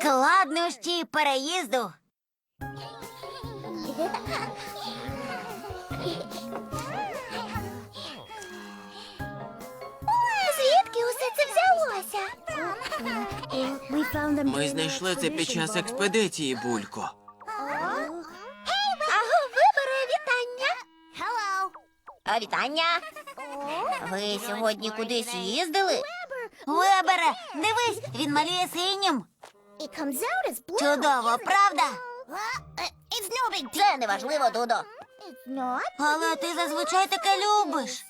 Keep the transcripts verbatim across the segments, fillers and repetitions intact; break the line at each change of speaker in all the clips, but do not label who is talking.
Складнощі переїзду. Звідки усе це взялося?
Ми знайшли це під час експедиції, Булько.
Аго, вибере, вітання. А, вітання. Ви сьогодні кудись їздили? Вибере, дивись, він малює синім. Чудово, правда? Це неважливо, Дудо. Але ти зазвичай таке любиш.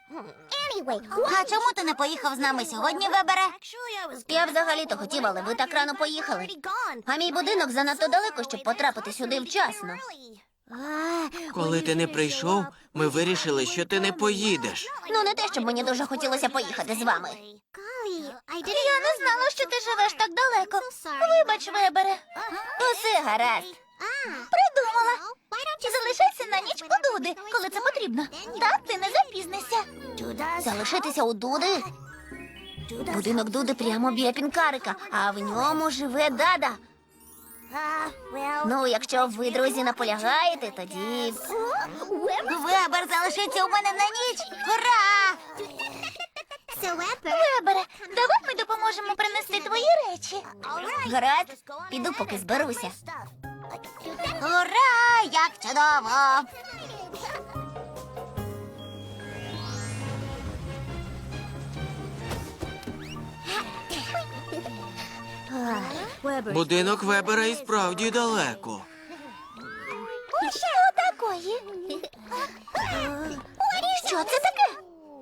А чому ти не поїхав з нами сьогодні, Вебере? Я взагалі-то хотів, але ви так рано поїхали. А мій будинок занадто далеко, щоб потрапити сюди вчасно.
Коли ти не прийшов, ми вирішили, що ти не поїдеш.
Ну, не те, щоб мені дуже хотілося поїхати з вами. Я не знала, що ти живеш так далеко. Вибач, Вебере. Усе гаразд. Придумала. Залишайся на ніч у Дуди, коли це потрібно. Так ти не запізнишся. Залишитися у Дуди? Будинок Дуди прямо біля пінкарика, а в ньому живе Дада. Ну, якщо ви, друзі, наполягаєте, тоді... Вебер залишиться у мене на ніч! Ура! Вебере, давай ми допоможемо принести твої речі. Гаразд, піду, поки зберуся. Ура! Як чудово!
Будинок Вебера і справді далеко.
Що такої? Що це таке?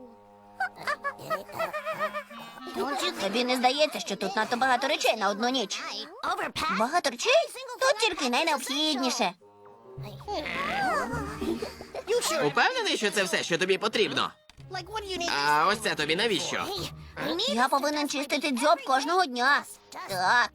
Тобі не здається, що тут надто багато речей на одну ніч? Багато речей? Тут тільки найнеобхідніше.
Упевнений, що це все, що тобі потрібно? А ось це тобі навіщо?
Я повинен чистити дзьоб кожного дня. Так.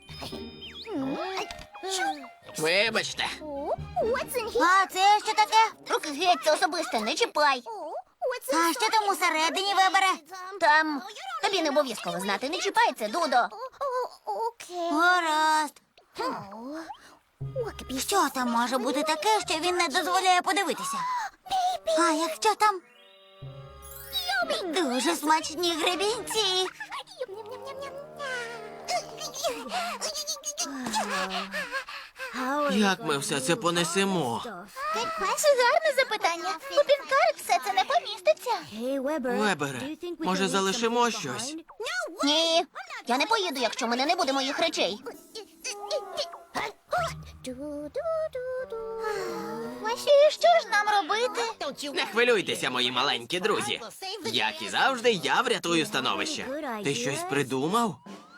Вибачте.
А це що таке? Руки геть, це особисте, не чіпай. А що там усередині, Вебере? Там... Тобі не обов'язково знати, не чіпай це, Дудо. Гаразд. Що там може бути таке, що він не дозволяє подивитися? А якщо там... Дуже смачні гребінці.
Як ми все це понесемо?
Гарне запитання. У пінкарик все це не поміститься.
Вебере, може залишимо щось?
Ні, я не поїду, якщо в мене не буде моїх речей. І що ж нам робити?
Не хвилюйтеся, мої маленькі друзі. Як і завжди, я врятую становище. Ти щось придумав?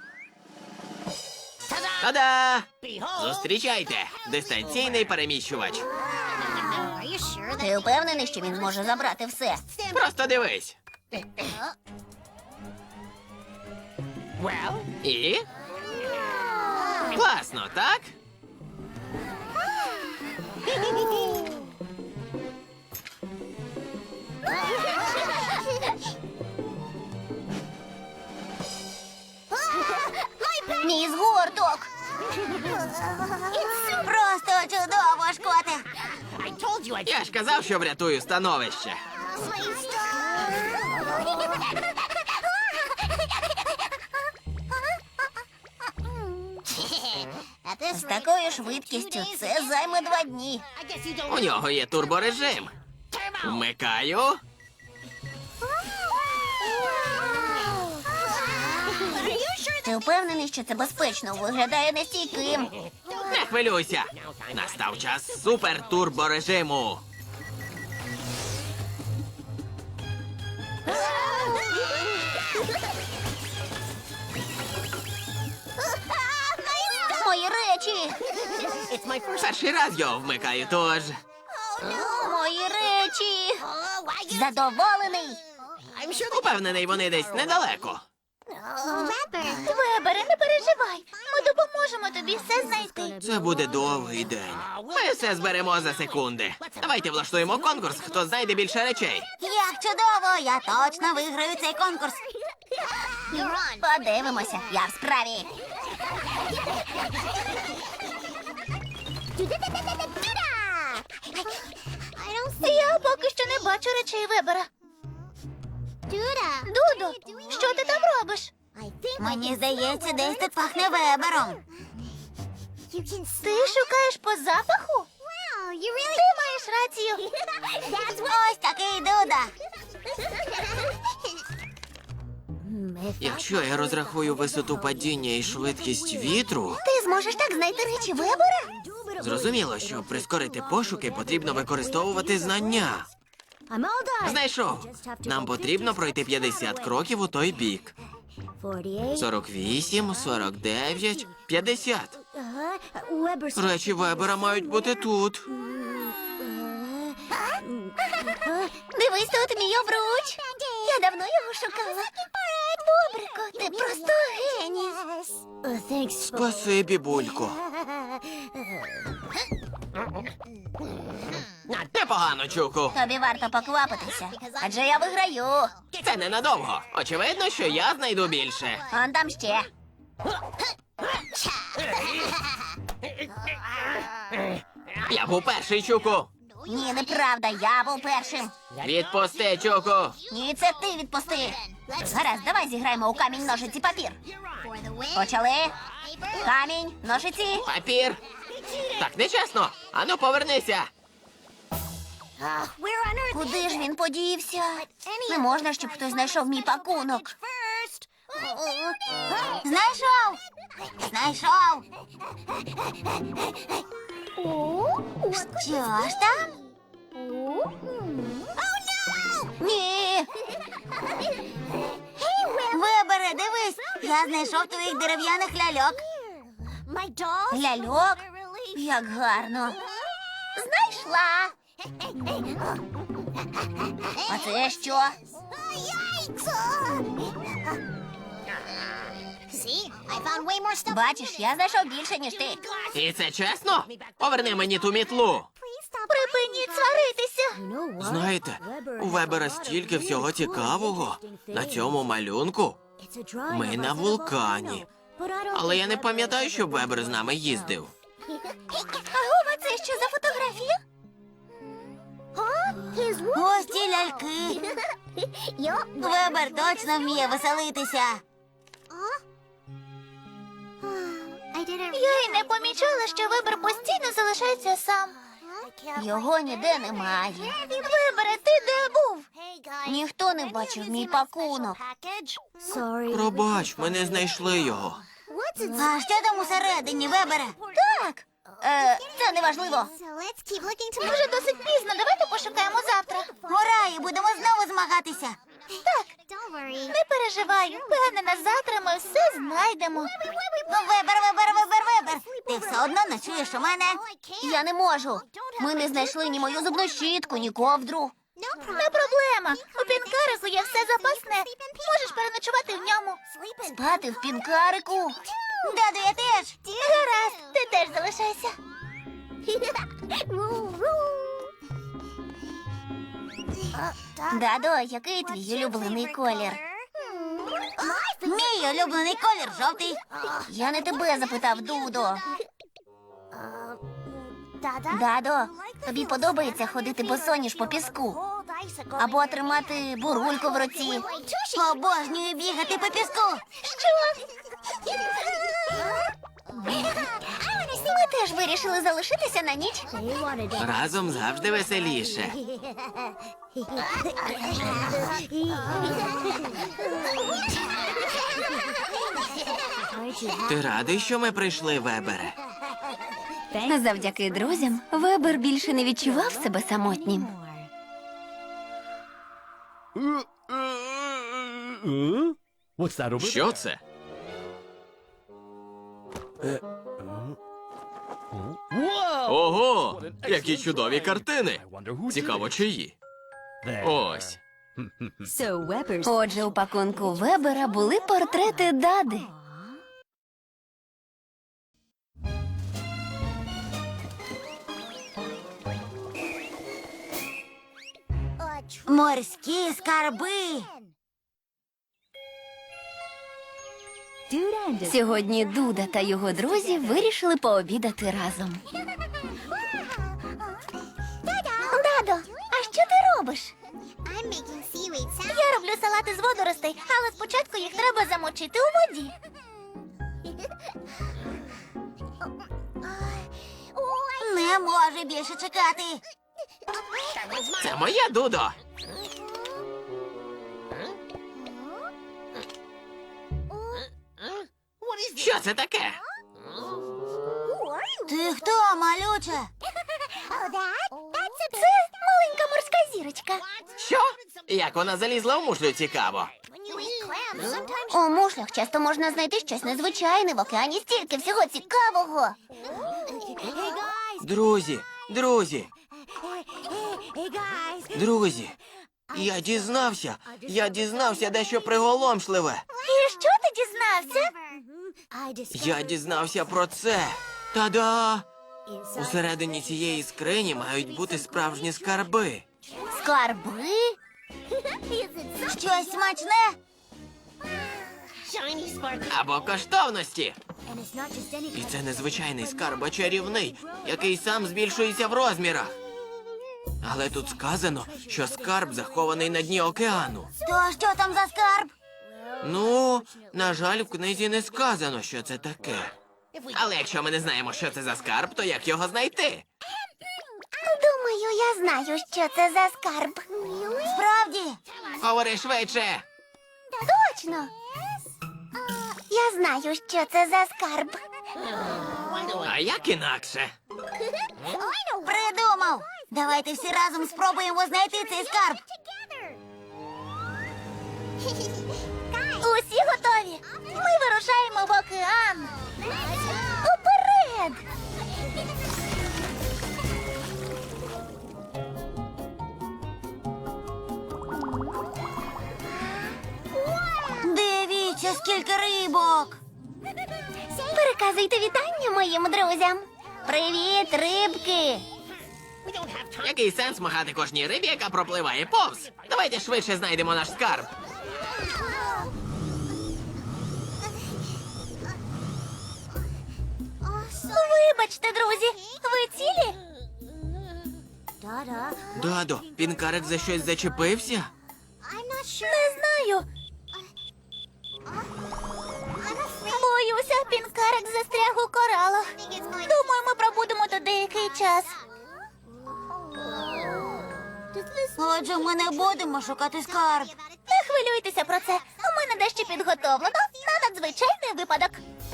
Та-да! Зустрічайте! Дистанційний переміщувач.
Ти впевнений, що він зможе забрати все?
Просто дивись. І? Класно, так?
Мій згорток! Просто чудово, Шкоте!
Я ж казав, що врятую становище.
З такою швидкістю це займе два дні.
У нього є турборежим. Вмикаю.
Ти впевнений, що це безпечно? Виглядає нестійким.
Не хвилюйся. Настав час супер-турборежиму.
Мої речі!
Перший раз його вмикаю, тож...
Мої речі! Задоволений!
Упевнений, вони десь недалеко.
Вебере, не переживай. Ми допоможемо тобі все знайти.
Це буде довгий день. Ми все зберемо за секунди. Давайте влаштуємо конкурс, хто знайде більше речей.
Як чудово! Я точно виграю цей конкурс. Подивимося, я в справі. Я поки що не бачу речей Вебера. Дудо, що ти там робиш?
Мені здається, десь тут пахне Вебером.
Ти шукаєш по запаху? Ти маєш рацію.
Ось такий Дуда.
Якщо я розрахую висоту падіння і швидкість вітру,
Ти зможеш так знайти речі Вебера?
зрозуміло, щоб прискорити пошуки, потрібно використовувати знання. Знайшов. Нам потрібно пройти п'ятдесят кроків у той бік. сорок вісім, сорок дев'ять, п'ятдесят. Речі Вебера мають бути тут.
Дивись, тут мій обруч. Я давно його шукала. Бобрико, ти просто геній.
Спасибі, Булько. Непогано, Чуку.
Тобі варто поквапитися, адже я виграю.
Це ненадовго. Очевидно, що я знайду більше.
Он там ще.
Я був перший, Чуку.
Ні, неправда, я був першим.
Відпусти, Чуку.
Ні, це ти відпусти. Гаразд, давай зіграємо у камінь, ножиці, папір. Почали. Камінь, ножиці.
Папір. Так нечесно. Ану, повернися.
Куди ж він подівся? Не можна, щоб хтось знайшов мій пакунок.
Знайшов! Знайшов! Що ж там?
Ні.
Вибере, дивись! Я знайшов твоїх дерев'яних ляльок.
Ляльок? Як гарно. Знайшла. А це що? Бачиш, я знайшов більше, ніж ти.
І це чесно? Поверни мені ту мітлу.
Припиніть сваритися.
Знаєте, у Вебера стільки всього цікавого. На цьому малюнку ми на вулкані. Але я не пам'ятаю, щоб Вебер з нами їздив.
Агова, це що за фотографія?
Ось ті ляльки. Вебер точно вміє веселитися.
Я й не помічала, що Вебер постійно залишається сам. Його ніде немає. Вибере, ти де був? Ніхто не бачив мій пакунок.
Пробач, ми не знайшли його.
А що там усередині, Вебере?
Так. Е, це неважливо. Вже досить пізно, давайте пошукаємо завтра.
Ура, і будемо знову змагатися.
Так, не переживай. Впевнена, завтра ми все знайдемо.
Ну, Вебер, Вебер, Вебер, Вебер. Ти все одно ночуєш у мене.
Я не можу. Ми не знайшли ні мою зубну щітку, ні ковдру. Не проблема. У пінкарику є все запасне. Можеш переночувати в ньому. Спати в пінкарику.
Даду, я теж.
Гаразд, ти теж залишайся. Дадо, який твій улюблений колір?
Мій улюблений колір жовтий.
Я не тебе запитав, Дудо. Дадо, тобі подобається ходити босоніж по піску? Або тримати бурульку в руці?
Обожнюю бігати по піску.
Що? Ми теж вирішили залишитися на ніч.
Разом завжди веселіше. Ти радий, що ми прийшли, Вебере?
Завдяки друзям Вебер більше не відчував себе самотнім.
What's that over
Що це?
Whoa!
Ого! Які чудові картини!
I wonder who
Цікаво, чиї?
There.
Ось.
Отже, у пакунку Вебера були портрети Дади.
Морські скарби.
Сьогодні Дуда та його друзі вирішили пообідати разом. Дадо, а що ти робиш? Я роблю салати з водоростей, але спочатку їх треба замочити у воді.
Не може більше чекати.
Це моя Дудо. Що це таке?
Ти хто, малюче?
Це маленька морська зірочка.
Що? Як вона залізла в мушлю, цікаво.
У мушлях часто можна знайти щось незвичайне, в океані стільки всього цікавого.
Друзі, друзі, друзі, я дізнався, я дізнався дещо приголомшливе.
І що ти дізнався?
Я дізнався про це. Та-да! Усередині цієї скрині мають бути справжні скарби.
Скарби?
Щось смачне?
Або коштовності. І це незвичайний скарб, а чарівний, який сам збільшується в розмірах. Але тут сказано, що скарб захований на дні океану.
То що там за скарб?
Ну, на жаль, в книзі не сказано, що це таке. Але якщо ми не знаємо, що це за скарб, то як його знайти?
Думаю, я знаю, що це за скарб.
Справді?
Говори швидше.
Точно. Я знаю, що це за скарб.
А як інакше?
Придумав. Давайте всі разом спробуємо знайти цей скарб.
Усі готові? Ми вирушаємо в океан. Уперед!
Дивіться, скільки рибок.
Переказуйте вітання моїм друзям. Привіт, рибки!
Який сенс махати кожній рибі, яка пропливає повз? Давайте швидше знайдемо наш скарб.
Вибачте, друзі, ви цілі?
Дадо, пінкарик за щось зачепився?
Не знаю. Боюся, пінкарик застряг у коралах. Думаю, ми пробудемо тут деякий час.
Отже, ми не будемо шукати скарб.
Не хвилюйтеся про це. У мене дещо підготовлено на надзвичайний випадок.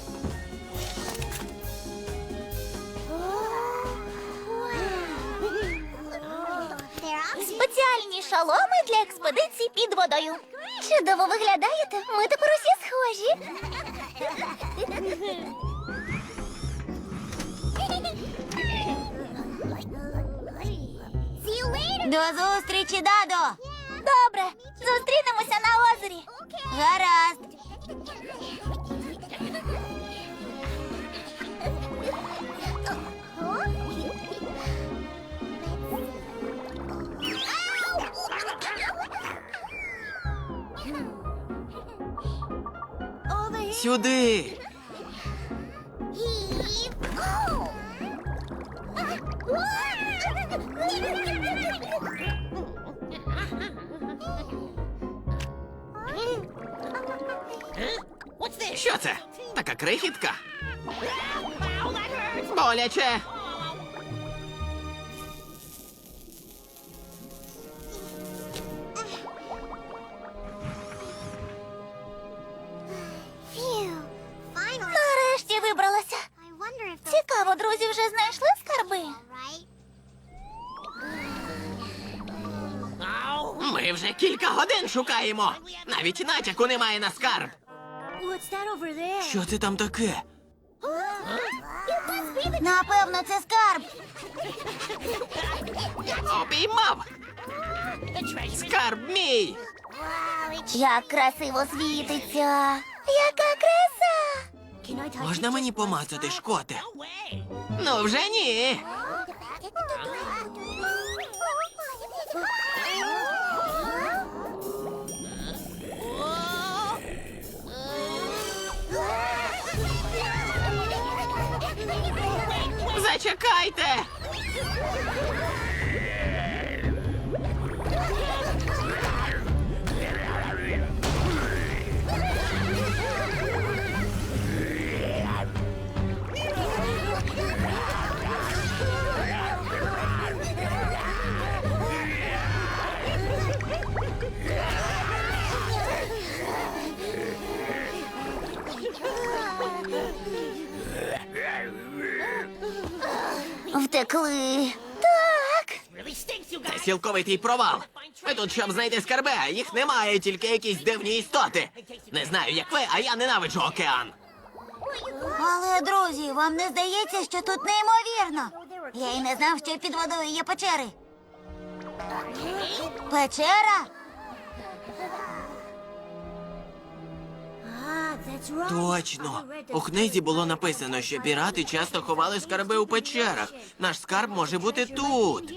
Спеціальні шоломи для експедицій під водою. Чудово виглядаєте. Ми тепер усі схожі.
До зустрічі, Дадо.
Добре, зустрінемося на озері.
Гаразд.
Сюди! Що це? Така крихітка? Боляче!
Нарешті вибралася. Цікаво, друзі вже знайшли скарби?
Ми вже кілька годин шукаємо. Навіть натяку немає на скарб. Що це там таке?
Напевно, це скарб.
Обіймав! Скарб мій!
Як красиво світиться. Яка краса!
Можна мені помацати, шкоте? Ну вже ні. Зачекайте!
Втекли. Так.
Це цілковитий провал. Ми тут, щоб знайти скарби, а їх немає, тільки якісь дивні істоти. Не знаю, як ви, а я ненавиджу океан.
Але, друзі, вам не здається, що тут неймовірно? Я й не знав, що під водою є печери. Печера?
Точно. У книзі було написано, що пірати часто ховали скарби у печерах. Наш скарб може бути тут.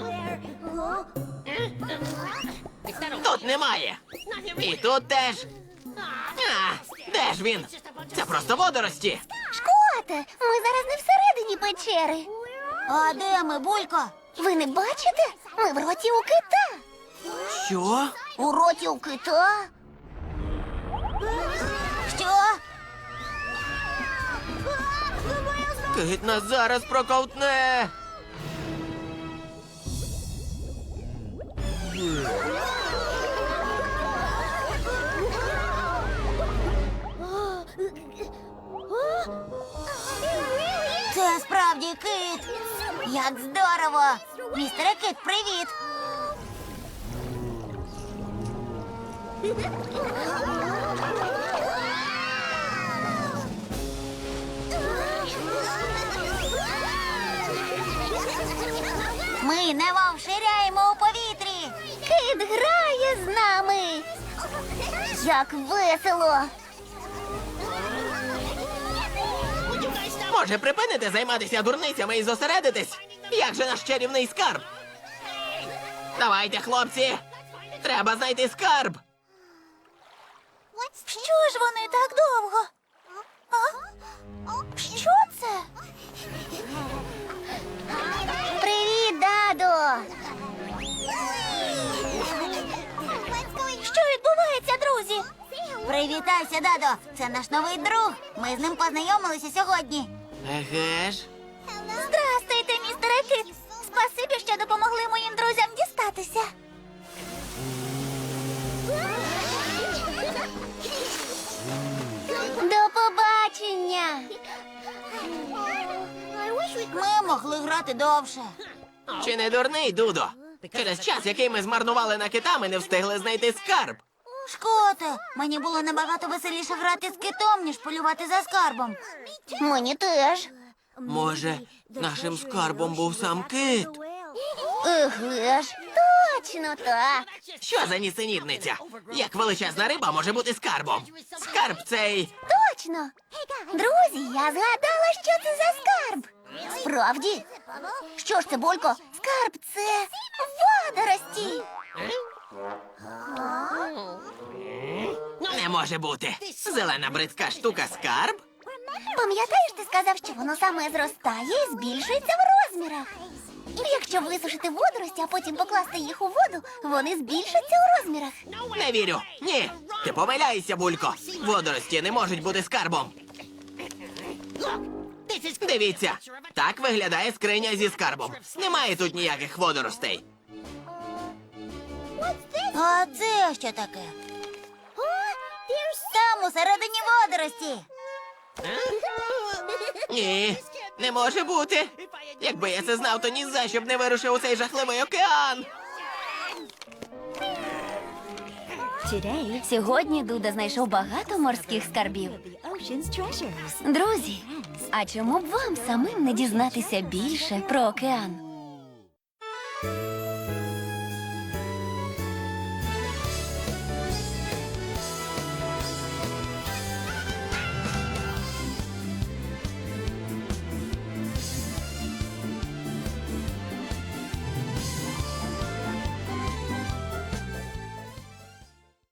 Тут немає. І тут теж. А, де ж він? Це просто водорості.
Шкоте, ми зараз не всередині печери.
А де ми, Булько?
Ви не бачите? Ми в роті у кита.
Що?
У роті у кита?
Що?
Кит нас зараз проковтне.
Це справді кит. Як здорово. Містере Кит, привіт. Ми немов ширяємо у повітрі.
Кит грає з нами. Як весело.
Може, припинити займатися дурницями і зосередитись? Як же наш чарівний скарб? Давайте, хлопці! Треба знайти скарб!
Що ж вони так довго? А? Що це? Привіт, Дадо! Що відбувається, друзі?
Привітайся, Дадо. Це наш новий друг. Ми з ним познайомилися сьогодні.
Еге ж.
Здрастуйте, містере Кит. Спасибі, що допомогли моїм друзям дістатися. До побачення.
Ми могли грати довше.
Чи не дурний, Дудо? Через час, який ми змарнували на кита, ми не встигли знайти скарб.
Шкоте, мені було набагато веселіше грати з китом, ніж полювати за скарбом.
Мені теж.
Може, нашим скарбом був сам кит?
Еге ж, точно так.
Що за нісенітниця? Як величезна риба може бути скарбом? Скарб цей...
Точно. Друзі, я згадала, що це за скарб. Справді? Що ж це, Болько? Скарб – це водорості.
Не може бути. Зелена бридка штука скарб?
Пам'ятаєш, ти сказав, що воно саме зростає і збільшується в розмірах. Якщо висушити водорості, а потім покласти їх у воду, вони збільшаться у розмірах.
Не вірю. Ні. Ти помиляєшся, Булько. Водорості не можуть бути скарбом. Дивіться, так виглядає скриня зі скарбом. Немає тут ніяких водоростей.
А це що таке? Там усередині водорості.
Ні, не може бути. Якби я це знав, то ні за що б не вирушив у цей жахливий океан.
Сьогодні Дуда знайшов багато морських скарбів. Друзі, а чому б вам самим не дізнатися більше про океан?